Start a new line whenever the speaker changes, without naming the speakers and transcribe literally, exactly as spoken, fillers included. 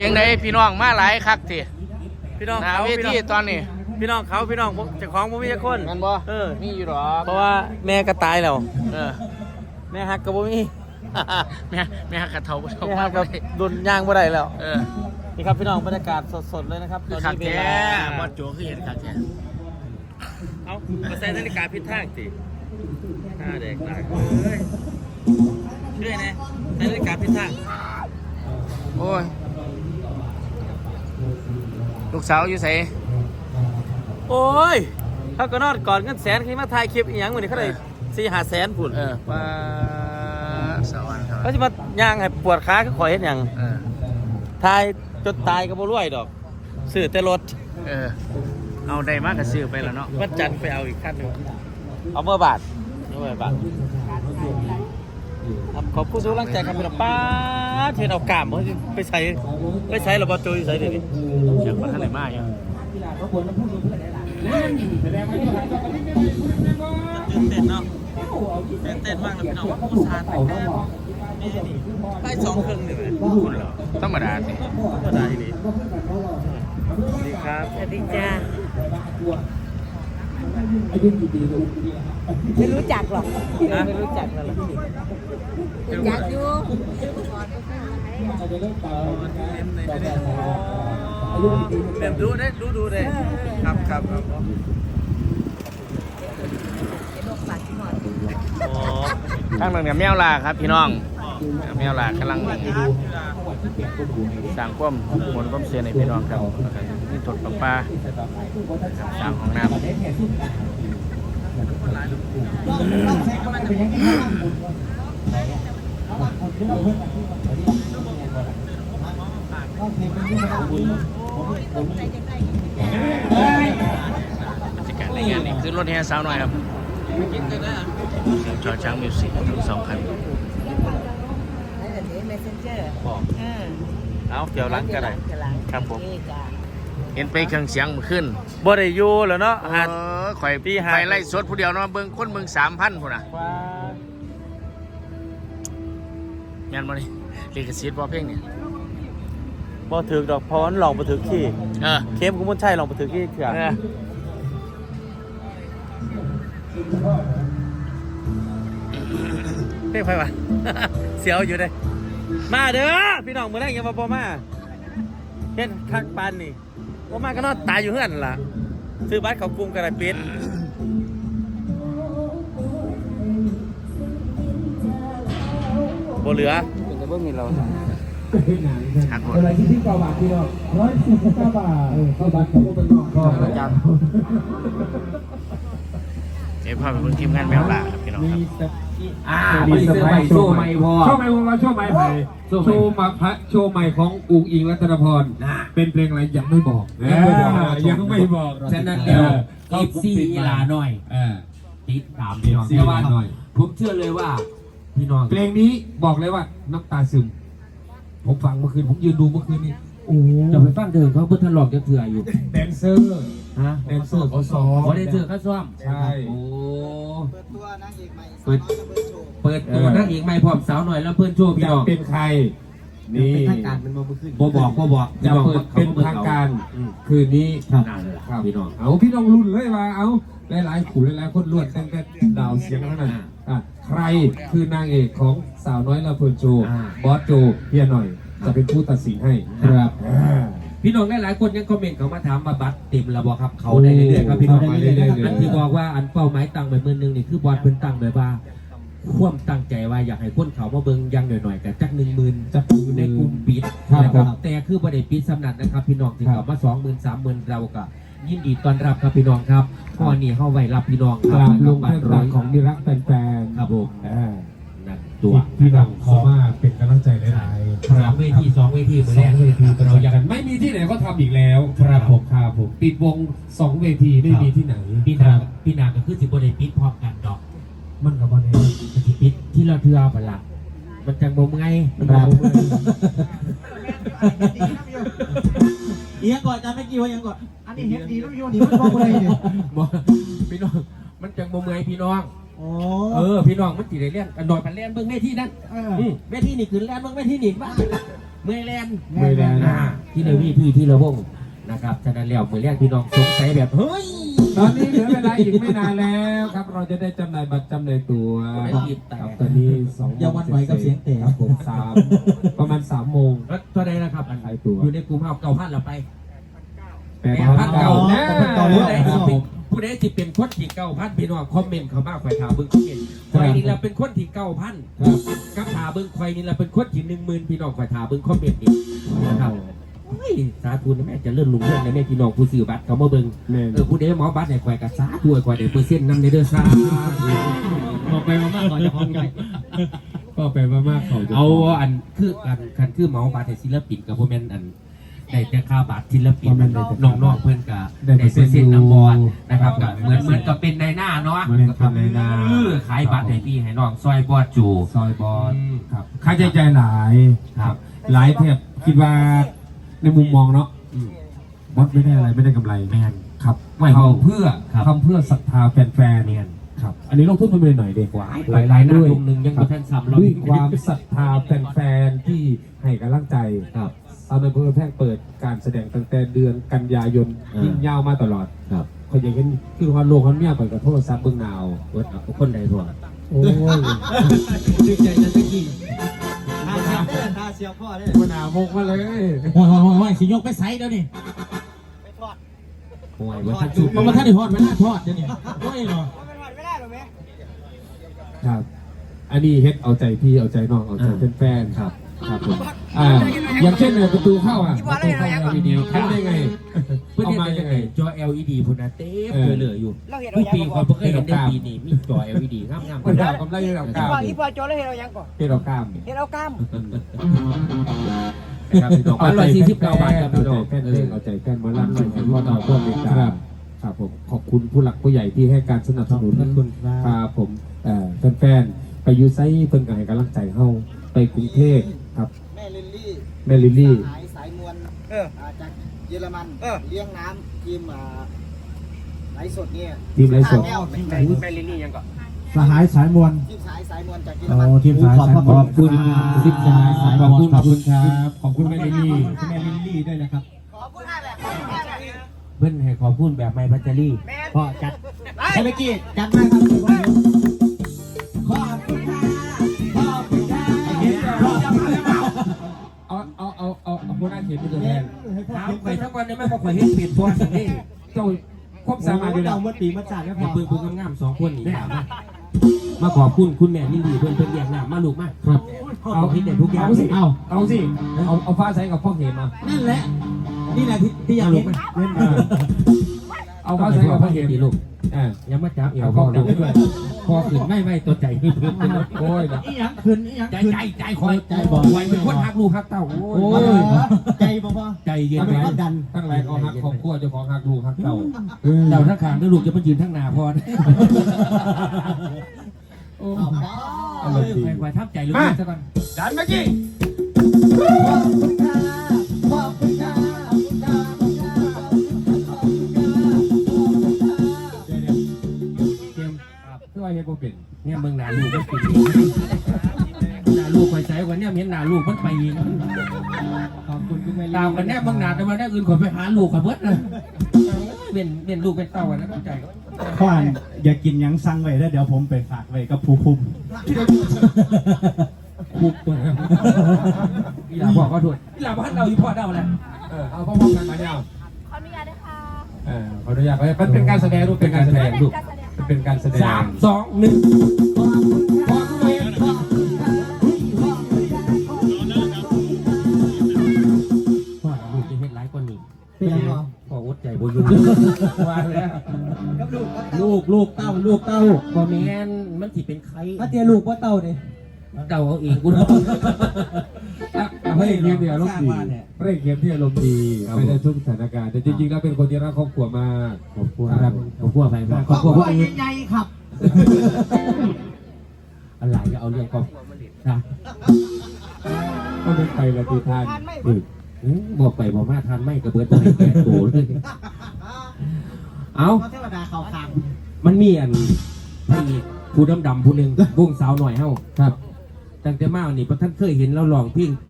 ยังไงพี่น้องมาหลายคักที
พี่น้อง
นาเวทีตอนนี้
พี่น้องเขาพี่น้องเจ้าของบ่มีคน
งั้นบ่
เออ
มีอยู่หรอ
เพราะว่าแม่ก็ตายแล้ว
เออ
แม่ฮักก็บ่มี
แม่แม่ฮักกระเทาบ่
แม่ฮักก็ดุนย่างบ่ได้แล้ว
เออ
นี่ครับพี่น้องบรรยากาศสดๆเลยนะครับ
ตอนนี้เวลาบอลโจคือเห็นคักแท้
เอ้ามาใส่นาฬิกาผิดทางสิหน้าแดกตายเอ้ยเชื่อแน่ใส่นาฬิกาผิดทาง
โอ้ยลูกสาวอยู่ไส
โอ้ยเขาก็นอนก่อนเงินแสนขึ้นมาถ่ายคลิปอีหยังมื้อนี้เขาได้สี่ห้าแสนพุ่น
เออป้าสวรรค์
เขาสิมาย่างให้ปวดขาคือข่อยเฮ็ดหยัง
เออ
ถ่ายจนตายก็บ่รวยดอกซื้อแต่รถ
เออเอาได้มากก็ซื้อไปแล้วเนาะ
วันจันทร์ไปเอาอีกคันนึงเอาเมื่อบาทเมื่อบาทครับขอบคุณทุกกำลังใจครับพี่น้องป้าเทนเอากามไปใช้ไปใช้ระบบโจยใช้เดี๋ยวนี้
เชื่อว่าท่านไหนมาอยู่
ตื่นเต้นเนาะตื่นเต้นมากเลยพี่น้องผู้ชายแต่งหน้านี่นี่ได้สองครึ่งเลย
คุณเหรอธรรมดาสิ
ธรรมดาดีสวัสดีครับ
สวัสดีจ้าไม่รู้จักหรอกไม่รู้จักหรอกรู้จักอยู่
เดี๋ยวดูได้ดูดูได้ครับครับครับ
ข้างหนึ่งเนี่ยแมวลาครับพี่น้องแมวลากำลังสร้างความมวลความเสียในพี่น้องครับนี่ถดปลาปลาสร้างห้องน้ำบรรยากาศในงานนี้คือรถแห่สาวหน่อยครับจอช้างมิวสิกทั้งสองคัน
เอาเกี่ยวหลังกันเลยครับผม
เห็นไปเครื่องเสียงขึ้น
บ่ได้อยู่แล้วเนาะ
เออข่อยปีไปไล่สดผู้เดียวเนาะเบิ่งคนเบิ่งสามพันพุ่นน่ะงานบ่นี่ลิขสิทธิ์บ่เพลงนี่
บ่ถึกดอกพรลองบ่ถึกขี้
เออ
เข้มกุมลชัยลองบ่ถึกขี้เถื่อเพลงไผวะเสียวอยู่เด้มาเด้อพี่น้องมื้อแรกยังบ่บ่มาเฮ็ดคักปานนี่บ่มาก็นอนตายอยู่เฮือนล่ะซื้อบัตรเข้ากรุงก็ได้ปิดบ่เหลือ
แต่เบิ่งนี่เราหักหมด
อะไรที่ที่เก้าบาทพี่น้องร้อยสี่สิบเก้าบาทเออเก้าบาทเขาเป็นน้องก็ประจำ
เดี๋ยวพาไปเบิ่งทีมงานแมวล่าครับพี่น้องครับ
อ่ามีเซอร์ไพรส์โชว์ใหม่พอโชว์ใหม่ของเราโชว์ใหม่ไปโชว์มาพระโชว์ใหม่ของอุ๋งอิงรัตนพรเป็นเพลงอะไรยังไม่บอกยังไม่บอกยังไม่บอก
ฉะนั้นเดี๋ยวเอฟซีลาหน่อยติดตามพี่น้องแต่ว่าผมเชื่อเลยว่าพี่น้อง
เพลงนี้บอกเลยว่าน้ำตาซึมผมฟังเมื่อคืนผมยืนดูเมื่อคืนนี้โอ้
จะไปฟังเถิงเขาเพื่อทะเลาะจะเถื่ออยู่
แดนเซอร์
ฮะ
แดนเซอร์เขาซ้อม
เขาได้เถื่อเขาซ้อม
ใช่
โอ้เปิดตัวนางเอกใหม่เปิดเปิดตัวนางเอกใหม่พร้อมสาวหน่อยแล้วเพื่อนโชว์พี่น้อง
เป็นใครนี่
เป็นทางการเป็นโมบุขึ้นโบบอกโบบอก
จะเปิดเป็นทางการคืนนี้
ครับพี่น้อง
เอาพี่น้องรุ่นเลยว่าเอาหลายๆขู่หลายๆคนล้วนตั้งแต่ดาวเสียงเท่านั้นใครคือนางเอกของสาวน้อยลาเพิร์นโจบอสโจเพียหน่อยจะเป็นผู้ตัดสินให้ครับ
พี่น้องหลายๆคนยังคอมเมนต์เขามาถามมาบัตรเต็มแล้วบอกครับเขาได้เรื่อยๆครับพี่น้องอันที่บอกว่าอันเป้าหมายตั้งไปหมื่นหนึ่งนี่คือบอสเพิ่นตั้งแบบว่าความตั้งใจว่าอยากให้คนเขามาเบิ่งยังหน่อยๆแต่จักหนึ่งหมื่นจะอยู่ในกลุ่มปิดนะครับแต่คือประเด็นปิดสำนักนะครับพี่น้องที่เขามาสองหมื่นสามหมื่นเราก็ยินดีต้อนรับครับพี่น้องครับข้อนี้เข้าไว้รับพี่น้อง
ครับลงเพื่อนรักของนิรักแฟน
ๆครับผม
นั่นตัวพี่น้องขอมาเป็นกำลังใจหลาย
ๆสองเวทีสองเวทีเหมือนแรก
เวทีเราอยากไม่มีที่ไหนก็ทำอีกแล้วครับผมครับผมปิดวงสองเวทีไม่มีที่ไหน
พี่นาพี่นาก็คือสิบประเด็นปิดพร้อมกันดอก
มันกับบอลเอง
ที่ปิดที่เราเทือไปละมันจังบ่มไง
ครับ
อีกก่อนจะไม่กี่วันยังก่อน
อันนี้เฮ็ดดีต้องโยนดีมันบอกอะไรเนี่ย
พี่น้องมันจังบ่มไงพี่น้องเออพี่น้องมันตีได้เล่นกันหน่อยมันเล่นเบิ่งเวทีนั่นเวทีนี่คือเล่นเบิ่งเวทีนี่บ้างเมื่อยแลน
เมื่อยแลน
อ่าที่เดวีพี่ที่ระวงนะครับฉะนั้นแล้วเมื่อแรกพี่น้องสงสัยแบบเฮ้ย
ตอนนี้เหลือเวลาอีกไม่นานแล้วครับ เราจะได้จำหน่ายบัตรจำหน่ายตั๋วครับตอนนี้สองโมง
อย่าหวั่นไหวกับเสียงเตะ
ครับผมสามประมาณสามโมง
แล้วตัวใดนะครับอัน
ขายตั๋ว
อยู่ในกลุ่มเอาเก่าพันเราไป
แปด
แปด
พั
พั
น
น
เก่า
เก่า
แน่
ผู้ใดที่เป็นผู้ใดที่เป็นคนที่เก่าพันพี่น้องคอมเมนต์เขามาคอยถามเบิ้งคอมเมนต์คอยนี่เราเป็นคนที่เก่าพันกับถามเบิ้งคอยนี่เราเป็นคนที่หนึ่งหมื่นพี่น้องคอยถามเบิ้งคอมเมนต์นี่นะครับเฮ้ยสาธุนะแม่จะเลื่อนลุงเรื่องนะแม่พี่น้องผู้ซื้อบัตรเขามาเบิ้ง
แม่
เออผู้ใดหมอบัตรไหนคอยกับสาธุคอยได้เปอร์เซ็นต์นำในเด้อสาธุ
บอกไปมากก่อนจะพร้อมกัน
ก็ไปมากๆเขาจะ
เอาอันคืออันคันคือหมอบัตรให้ศิลปินกับพวกแม่นอันได้แต่ค่าบัตรศิลปินน้องๆเพื่อนกับได้เปอร์เซ็นต์นำบอลนะครับกับเหมือนเหมือนกับเป็นในหน้าเนาะ
เหมือนกับในนา
เออขายบัตรให้พี่ให้น้องซอยบอดจู
ซอยบอล
อืม
ครับค่าใช้จ่ายหลาย
ครับ
หลายเทียบคิดว่าในมุมมองเนาะ
อืม
บอสไม่ได้อะไรไม่ได้กำไร
แม่น
ครับ
ไม่
ทำเพื่อ
ครับ
ทำเพื่อศรัทธาแฟนๆ
เนียน
ครับอันนี้ลงทุนไปเป็นหน่อยเด็ก
หวายหลายหลายๆหน้าตรงหนึ่งยังบ่ทันซ้ำเรา
ด้วยความศรัทธาแฟนๆที่ให้กำลังใจ
ครับ
ตอนนั้นเพื่อแพร่งเปิดการแสดงตั้งแต่เดือนกันยายน
อ่ายิ่
ยิ่งยาวมาตลอด
ครับ
เขาอย่างเห็นคือความโลกเขาเนี่ยเปิดกับโทรศัพท์เบื้องหนาว
เวิร์ดเอาคนใดทั่ว
โอ้ย
ดีใจนะตะกี้ท่าเสียบท่าเสียบพ่อได้
มันหนาวมกมาเลย
โอ้ยโอ้ยโอ้ยสิยกไปไซเดี๋ยวนี้
ห่วยเวิร์ดทันสุด
มันมาท่านได้ทอดมันน่าทอดเดี๋ยวนี้โอ้ยเนาะ
ครับ อันนี้เฮ็ดเอาใจพี่เอาใจน้องเอาใจแฟนๆครับครับผมอ่าอย่างเช่นเนี่ยประตูเข้าอ่ะประตูเข้า แอล อี ดี ทำได้ไง
เพื่อน
เอา
เห็น
มา
ได้
ยั
ยัง ง
ไง
ไงจอ แอล อี ดีพุ่นน่ะเต็ม
เออ
เหลือๆอยู่ทุกปีความเพิ่งเคยเห็นได้ปีนี้มีจอ แอล อี ดีงามๆ
มันดาวกำไรดาวกล้าม
ว่าอีพอโจแล้วเห็นเรายังก่อน
เฮ็ดเอากล้าม
เห็นเรากล้าม
ครับพี่น้องร้อยสี่สิบเก้าบาทครับ
เอา
พี่
ใจ
น้อง
แฟนเพลงเอาใจแฟนหมาลั่นหน่อยให้พ่อต่อพ่อเมกาครับผมขอบคุณผู้หลักผู้ใหญ่ที่ให้การสนับสนุนครับผมเอ่อแฟนๆไปอยูไซเพิ่นก็ให้กำลังใจเฮาไปกรุงเทพครับ
แม่ลิลลี่
แม่ลิลลี่
สายสายมวล
เออ
อ่าจากเยอรมัน
เออ
เลี้ยงน้ำทีมอ่าไหลฟ์สดเนี่ย
ทีมไรสด
แก้วทีม
แม่ลิลลี่ยังก่อน
สหายสายมวล
ทีมสายสายมวลจากเยอร
โอ้
มัน
ทีมสายสายมวล
ขอบคุณ
ทีมสายสาย
ขอบ
มว
คุ
ล
ณขอบคุณครับขอบคุณแม่ลิลลี่
แม่ลิลลี่ด้วยนะครับ
ขอพูดให้แบบขอพูดให้แบบ
เพื่อนให้ขอพูดแบบไม่พัชรี
แม่
พ่อจัด
ไป
เมื่อกี้จัดมาครับขอบคุณค่ะขอบคุณค่ะรอจะมาแล้ว
เอาเอาเอาเอาเอาผู้น่าเขียนเป็นตัวแทน
ถามใครทั้งวันได้ไหมว่าข่อยเห็นเปลี่ยนตัวสินี่
เจ้าควบสามารถอยู่แล้ว
เมื่อปีมาจัดแล้วพ
ให้
อ
เบิ่งเบิ่งงามๆสองคนนี่ถามมามาขอบคุณคุณแม่ลิลลี่เพื่อนเพื่อนเรียกหน้ามาลูกมา
ครับ
เอาคิดได้ทุกอย่าง
เอาสิเอาเอาสิเอาเอาฟ้าใสกับพ่อเห็นมา
นั่นแหละ นี่แหละที่ที่อยากเห็น
เอาฟ้าใสกับพ่อเห็น
ดีลูก
อ่า
ยังมาจับเอว
เอา
พ่
พ่
อ
อ
ลู
เห็น
ก
ด้วย
พอขึ้นไม่ไม่ตัวใจขึ้น
โอ้ยนะ
อีหยังขึ้นอีหยัง
ใจ
ขึ้น
ใจใจคอย
ใจบอก
ไว้เป็นคนฮักลูกฮักเต้าโอ้
โอ้
ย
ยใจบ่พอ
ใจเย็น
ทั้ง
ไว้
หลายดันทั้งหลายเขาหักของขั้วเจ้าของหักลูกหักเต่า
เต่าทั้งขางด้วยลูกจะมายืนทั้งหน้าพอ
โอ้
เออไปไว้ทับใจลูกซะก่อน
ดันเมื่อกี้
เกม
ช่วยให้ผมเป็น
เนี่ยเมืองหนาลูกมันปิดหนาลูกคอยใจกว่าเนี่ยเห็นหนาลูกมันไปเอง
ขอบคุณคุณแม่
ตามกันแน่เมืองหนาแต่ว่าแน่อื่นคนไปหาลูกกับเบิดเลยเป็นเป็นลูกเป็นเต้ากันแล้วใจก็
พ่ออ่านอย่ากินหยังสั่งไว้แล้วเดี๋ยวผมไปฝากไว้กับผู้คุม
คุกตัวนะอีหลาบอกก็ถูกอีหลาบอกให้เราอีพ่อเดาแหละ
เออเอาพ่อพ่อกันมาเนี่ย
ขออนุญาตนะคะ
เออขออนุญาตมันเป็นการแสดงรูปเป็นการแสดงรูปมันเป็นการแสดง
สามสองหนึ่งว่าลูกจะเห็นหลายคนนี่
เป็นยังไง
พออดใจบ่อยู่ว่าแล้ว
ลูกลูกเต้าลูกเต้า
พอแมนมันสิเป็นใคร
มาเตียลูกว่าเต้าเนี่ย
เดาเอาเองกูเนาะ
ไม่เกียมที่อารมณ์ดีไม่เกียมที่อารมณ์ดีไม่ได้ทุกสถานการณ์แต่จริงๆแล้วเป็นคนที่รักครอบครัวมากครอบครัว
ครับขอบคุณไปมากขอบคุณพวกอื่น
ใหญ่ๆครับ
อะไรก็เอาเรื่องครอบครัวมาเล่นนะ
ก็เป็นไปละทีทาน
อืมบอกไปบอกมาทานไม่กระเบิดอะไรแก่โตเลยเอา
เพราะเทวดาเขาคาง
มันมีอันพระเอกผู้ดำๆผู้หนึ่งวงสาวหน่อยเฮ้า
ครับ
ตั้งแต่มานี่พระท่านเคยเห็นเราลองเพลง